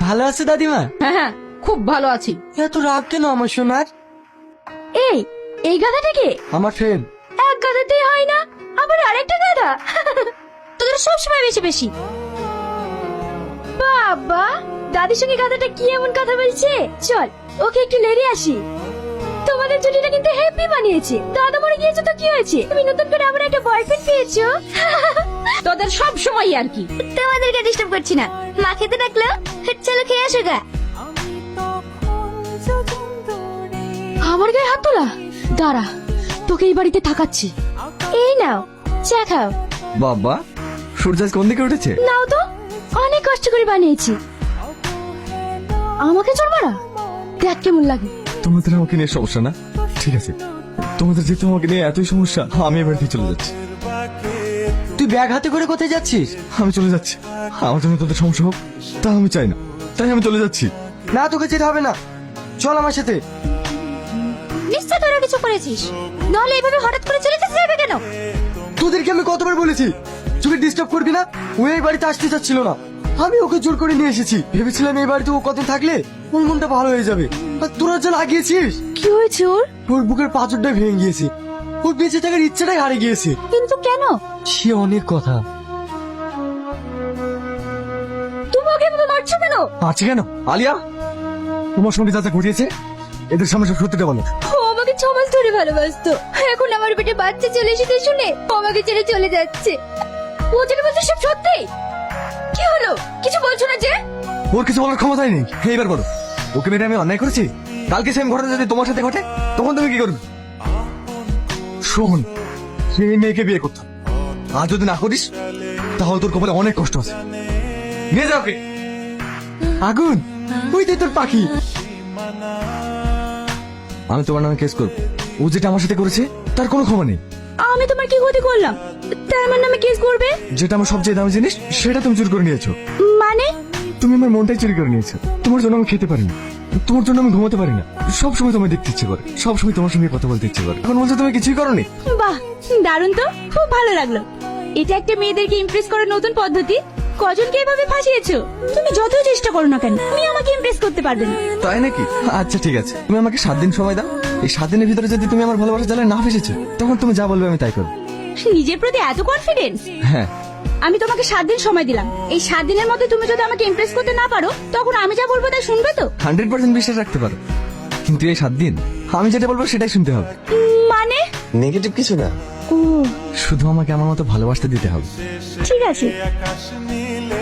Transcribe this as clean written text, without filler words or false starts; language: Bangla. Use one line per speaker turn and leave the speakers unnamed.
ভালো আছে দাদিমা?
হ্যাঁ হ্যাঁ, খুব ভালো আছি।
এত রাগ কেন আমার সোনার?
এই এই গাধাটাকে
আমার ফ্রেন্ড।
এক গাধাতেই হয় না, আবার আরেকটা গাধা। তোদের সব সময় বেশি বেশি। বাবা, দাদির সঙ্গে গাধাটা কি এমন কথা বলছে? চল ওকে একটু লেড়ে আসি। তোমাদের জুটিটা কিন্তু হ্যাপি বানিয়েছে। দাদা মরে গিয়েছে তো কি হয়েছে? তুমি নতুন করে আবার একটা বয়ফ্রেন্ড পেয়েছো। তোদের সব সময় আর কি। তোমাদেরকে ডিস্টার্ব করছি না, মা খেতে ডাকলো, চলো খেয়ে আসো গা। আমার গায়ে হাত তোলা? দাঁড়া, তোকে এই বাড়িতে থাকাচ্ছি। এই নাও চা খাও।
বাবা, সূর্য আজ কোন দিকে উঠেছে?
নাও তো, অনেক কষ্ট করে বানিয়েছি। আমাকে চোর মারা, দেখ কেমন লাগে।
তোমাদের আমাকে নিয়ে সমস্যা না? ঠিক আছে, তোমাদের যেহেতু আমাকে নিয়ে এতই সমস্যা, আমি এবার দিয়ে চলে যাচ্ছি।
তুই ব্যাগ হাতে করে কোথায় যাচ্ছিস?
আমি চলে যাচ্ছি। আমার জন্য তোদের সমস্যা হোক তা আমি চাই না, তাই আমি চলে যাচ্ছি।
না, তোকে যেতে হবে না, চল আমার সাথে।
নিশ্চয় তোরা কিছু করেছিস, নাহলে এইভাবে হঠাৎ করে চলে যেতে যাবে কেন?
তোদেরকে আমি কতবার বলেছি তোকে ডিস্টার্ব করবি না? ও এই বাড়িতে আসতে চাচ্ছিল না, আমি ওকে জোর করে নিয়ে এসেছি। ভেবেছিলাম এই বাড়িতে ও কদিন থাকলে ওর মনটা ভালো হয়ে যাবে, আর তোরা যা লাগিয়েছিস।
কি হয়েছে ওর?
ওর বুকের পাঁচরটাই ভেঙে গিয়েছে, ওর বেঁচে থাকার ইচ্ছাটাই হারিয়ে গিয়েছে।
কিন্তু কেন?
সে অনেক কথা।
তুমি ওকে এভাবে মারছো কেন?
আছে কেন? আলিয়া, তোমার সঙ্গে যা যা ঘটিয়েছে এদের সামনে সব সত্যিটা বলো।
ও আমাকে 6 মাস ধরে ভালোবাসতো, এখন আমার পেটে বাচ্চা চলে এসেছে শুনে ও আমাকে ছেড়ে চলে যাচ্ছে। ও যেটা বলছে সব সত্যি। কি হলো, কিছু বলছো না যে?
ওর কিছু বলার ক্ষমতাই নেই। এইবার বলো, ওকে মেরে আমি অন্যায় করেছি? কালকে সেম ঘটনা যদি তোমার সাথে ঘটে তখন তুমি কি করবে? শোন, সেই মেয়েকে বিয়ে করতাম, আর যদি না করিস তাহলে তোর কপালে অনেক কষ্ট আছে। নিয়ে যাও ওকে।
আগুন, ওই তো তোর পাখি।
আমি তোমার নামে কেস করবো। ও যেটা আমার সাথে করেছে তার কোনো ক্ষমা নেই।
আমি তোমার কি ক্ষতি করলাম তাই আমার নামে কেস করবে?
যেটা আমার সবচেয়ে দামি জিনিস সেটা তুমি চুরি করে নিয়েছো।
মানে?
তুমি আমার মনটাই চুরি করে নিয়েছো। তোমার জন্য আমি খেতে পারি না, তোমার জন্য আমি ঘুমাতে পারি না, সবসময় তোমায় দেখতে ইচ্ছে করে, সবসময় তোমার সঙ্গে কথা বলতে ইচ্ছে করে। এখন বলছো তুমি কিছুই করোনি?
বাহ, দারুণ তো, খুব ভালো লাগলো। এটা একটা মেয়েদেরকে ইমপ্রেস করার নতুন পদ্ধতি। কজনকে এভাবে ফাঁসিয়েছো? তুমি যতই চেষ্টা করো না কেন, তুমি আমাকে ইমপ্রেস করতে পারবে না।
তাই নাকি? আচ্ছা ঠিক আছে, তুমি আমাকে 7 দিন সময় দাও। এই 7 দিনের ভিতরে যদি তুমি আমার ভালোবাসা জালে না ফেসেছো তখন তুমি যা বলবে আমি তাই করবো।
নিজের প্রতি এত কনফিডেন্স?
হ্যাঁ,
আমি তোমাকে 7 দিন সময় দিলাম। এই 7 দিনের মধ্যে তুমি যদি আমাকে ইমপ্রেস করতে না পারো তখন আমি যা বলবো তাই শুনবে তো?
100% বিশ্বাস রাখতে পারো, কিন্তু এই 7 দিন আমি যেটা বলবো সেটাই শুনতে হবে।
মানে?
নেগেটিভ কিছু না,
ও
শুধু আমাকে আমার মতো ভালোবাসতে দিতে হবে।
ঠিক আছে।